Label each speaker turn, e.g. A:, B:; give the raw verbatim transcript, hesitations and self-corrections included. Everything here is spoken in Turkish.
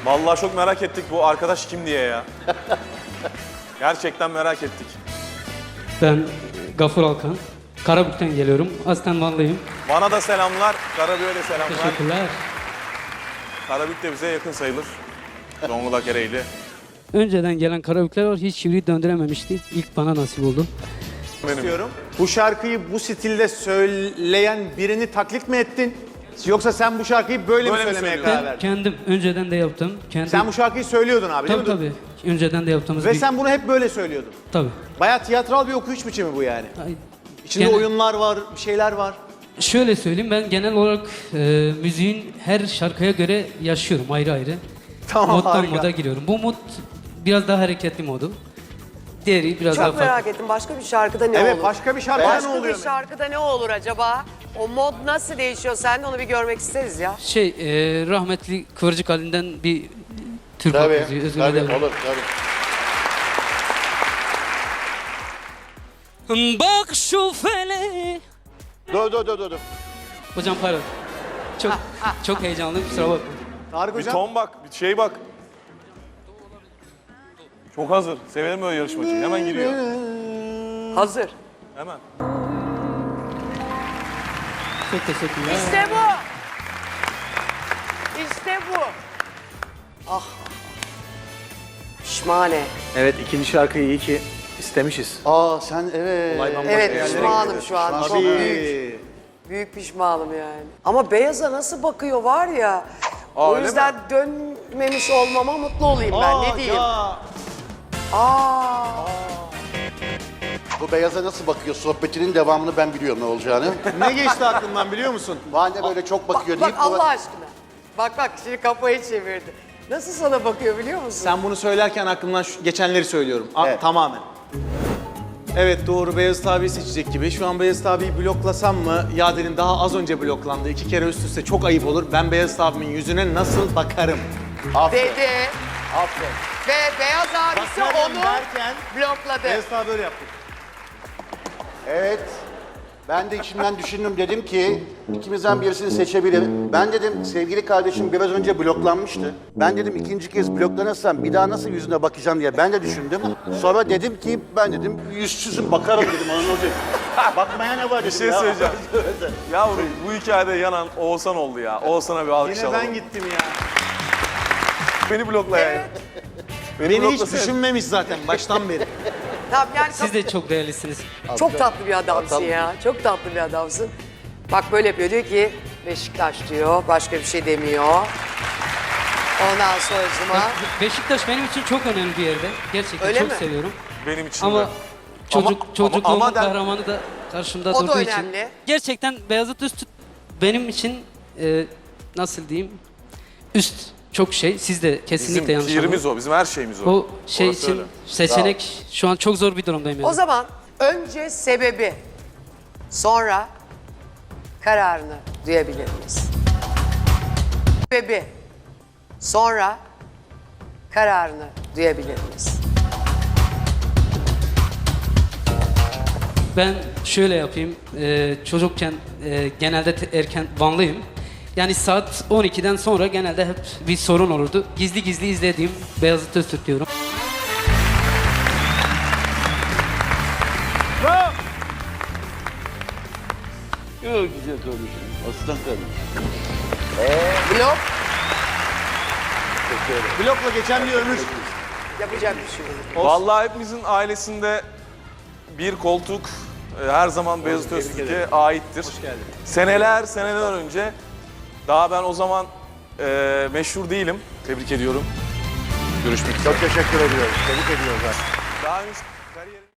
A: Vallahi çok merak ettik bu arkadaş kim diye ya. Gerçekten merak ettik.
B: Ben Gafur Alkan. Karabük'ten geliyorum. Aslen Vanlıyım.
A: Bana da selamlar, Karabük'e de selamlar.
B: Teşekkürler.
A: Karabük de bize yakın sayılır. Zonguldak Ereğli.
B: Önceden gelen Karabükler var. Hiç çivri döndürememişti. İlk bana nasip oldu.
A: Benim.
C: istiyorum. Bu şarkıyı bu stilde söyleyen birini taklit mi ettin? Yoksa sen bu şarkıyı böyle,
A: Böyle mi
C: mi söylemeye
A: söylüyorsun?
C: karar
B: Ben
C: verdin?
B: kendim önceden de yaptım. Kendim,
C: Sen bu şarkıyı söylüyordun abi değil
B: tabii
C: mi?
B: tabii. Önceden de yaptığımız
C: Ve
B: bir...
C: sen bunu hep böyle söylüyordun.
B: Tabii.
C: Bayağı tiyatral bir okuyuş biçimi bu yani.
B: Ay,
C: İçinde
B: Gene-
C: oyunlar var, bir şeyler var.
B: Şöyle söyleyeyim, ben genel olarak e, müziğin her şarkıya göre yaşıyorum ayrı ayrı.
C: Tamam,
B: Moddan
C: harika.
B: moda giriyorum. Bu mod biraz daha hareketli modu. Diğeri biraz daha
D: Çok
B: farklı.
D: merak ettim. Başka bir şarkıda ne
C: Evet,
D: olur?
C: başka bir şarkıda ne
D: Başka
C: oluyor?
D: bir şarkıda ne olur acaba? O mod nasıl değişiyor? Sen de onu bir görmek isteriz ya.
B: Şey, e, rahmetli Kıvırcık Ali'nden bir Türk halk
E: Tabii,
B: müziği. Özür
E: tabii
B: dilerim.
E: olur, tabii.
B: Bak şu fele.
E: Dur, dur, dur, dur. dur.
B: Hocam pardon. Çok çok heyecanlıyım, kusura bakmayın.
C: Tarık
A: Bir
C: Hocam.
A: ton bak, bir şey bak. Çok hazır. Severim böyle yarışmacıyı. Hemen giriyor.
D: Hazır.
A: Hemen.
B: Çok teşekkürler.
D: İşte bu. İşte bu. Ah. Pişmane.
C: Evet, ikinci şarkıyı iyi ki istemişiz.
E: Aa sen evet.
D: Evet pişmanım şu an. Çok büyük.
C: Tabii.
D: Büyük pişmanım yani. Ama beyaza nasıl bakıyor var ya.
A: Aa,
D: o
A: öyle
D: yüzden dönmemiş olmama mutlu olayım ben.
C: Aa,
D: Ne diyeyim?
C: ya.
D: Aa.
E: Bu beyaza nasıl bakıyor? Sohbetinin devamını ben biliyorum ne olacağını.
C: Ne geçti aklından biliyor musun?
E: Bana böyle çok bakıyor
D: Bak
E: deyip...
D: Allah aşkına. Bak bak şimdi kafayı çevirdi. Nasıl sana bakıyor biliyor musun?
C: Sen bunu söylerken aklımdan şu, geçenleri söylüyorum. A-
E: Evet.
C: Tamamen. Evet doğru, Beyazıt abiyi seçecek gibi. Şu an Beyazıt abiyi bloklasam mı? Yader'in daha az önce bloklandı. İki kere üst üste çok ayıp olur. Ben Beyazıt abimin yüzüne nasıl bakarım?
E: Aferin.
D: Dedi
E: Aferin.
D: ve beyaz abisi
C: Bakarım
D: onu
C: derken
D: blokladı.
C: Beyazıt abi öyle yaptı.
E: Evet. Ben de içimden düşündüm, dedim ki ikimizden birisini seçebilirim. Ben dedim sevgili kardeşim biraz önce bloklanmıştı. Ben dedim ikinci kez bloklanırsam bir daha nasıl yüzüne bakacağım diye ben de düşündüm. Sonra dedim ki ben dedim yüzsüzüm bakarım dedim, ona ne olacak? Bakmaya ne var dedim
A: Bir şey
E: ya.
A: söyleyeceğim. Yavrum bu hikayede yanan Oğuzhan oldu ya. Oğuzhan'a bir alkış
C: Yine
A: alalım.
C: ben gittim ya.
A: Beni blokla yani. Beni,
C: Beni hiç
A: bloklasana.
C: düşünmemiş zaten baştan beri.
D: Tamam yani
B: Siz de çok değerlisiniz.
D: çok tatlı bir adamsın
E: Tabii.
D: ya. Çok tatlı bir adamsın. Bak böyle yapıyor diyor ki Beşiktaş diyor. Başka bir şey demiyor. Ondan sonracıma
B: Beşiktaş benim için çok önemli bir yerde. Gerçekten
D: Öyle
B: çok
D: mi?
B: seviyorum.
A: Benim için
B: Ama
A: de.
B: çocuk
A: Ama-
B: çocukluğumun
A: ama- ama der-
B: kahramanı da karşımda
D: O da
B: durduğu için.
D: önemli.
B: Gerçekten Beyazıt Üst benim için e, nasıl diyeyim? Üst çok şey. Siz de kesinlikle
A: Bizim
B: yanlış
A: pirimiz
B: anlamayın.
A: o, bizim her şeyimiz o.
B: O şey
A: Orası
B: için
A: öyle.
B: seçenek şu an çok zor bir durumdayım yani.
D: o zaman önce sebebi sonra kararını duyabilir miyiz? Sebebi sonra kararını duyabilir miyiz?
B: Ben şöyle yapayım. e, çocukken e, genelde te- erken Vanlıyım. Yani saat on ikiden sonra genelde hep bir sorun olurdu. Gizli gizli izlediğim Beyazıt Öztürk diyorum.
E: Çok güzel konuşuyorsun. Aslan kardeşim.
D: Blok
C: Blokla geçen bir ömür.
D: yapacak bir şey yok.
A: Vallahi hepimizin ailesinde bir koltuk e, her zaman Beyazıt Öztürk'e aittir.
C: Hoş geldin.
A: Seneler seneler önce, daha ben o zaman e, meşhur değilim. Tebrik ediyorum. Görüşmek üzere.
E: Çok teşekkür ediyoruz. Tebrik ediyoruz.
A: Daha henüz kariyerim...